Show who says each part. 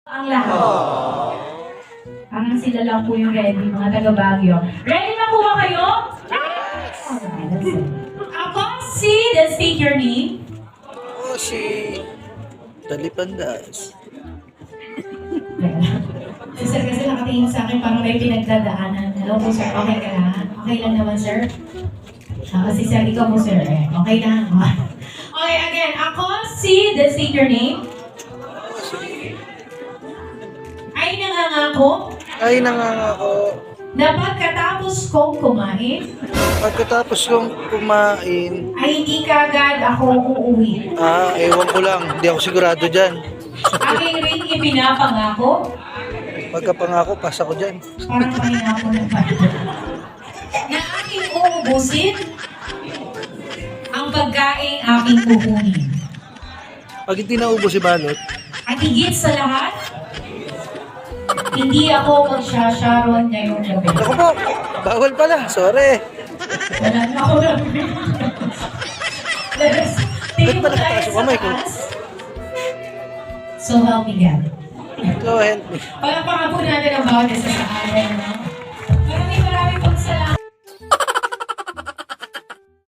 Speaker 1: Ang lahat. Parang sila lang po yung ready, mga taga-Baguio. Ready na po ba kayo? Okay, that's it. Ako si, then state your name.
Speaker 2: Oh, si Talipandas.
Speaker 1: Si sir kasi nakatingin sa akin parang may pinagdadaanan. Hello po sir, okay ka lang? Okay lang naman sir? Kasi sir, ikaw po sir. Okay lang. Okay, again. Ako si, then state your name. Ay nangangako
Speaker 2: Ay, nangangako.
Speaker 1: na pagkatapos kong kumain,
Speaker 2: Pagkatapos kong kumain,
Speaker 1: ay hindi kagad ako uuwi.
Speaker 2: ewan ko lang. Hindi ako sigurado dyan.
Speaker 1: Aking ring ipinapangako,
Speaker 2: Pagkapangako, pasa ko dyan.
Speaker 1: parang pangako ng bata, na aking uubusin ang pagkain aking kukunin.
Speaker 2: Pag hindi naubos si Balot,
Speaker 1: At higit sa lahat, hindi ako magsasharon ngayong gabi.
Speaker 2: ako po, bawal pala. Sorry.
Speaker 1: Wala na ako lang. Tingin mo
Speaker 2: Ba't ba
Speaker 1: tayo
Speaker 2: nakataas yung
Speaker 1: sa
Speaker 2: kamay ko?
Speaker 1: taas. So help me God.
Speaker 2: Go ahead.
Speaker 1: Palakpakan po natin ang bawat isa sa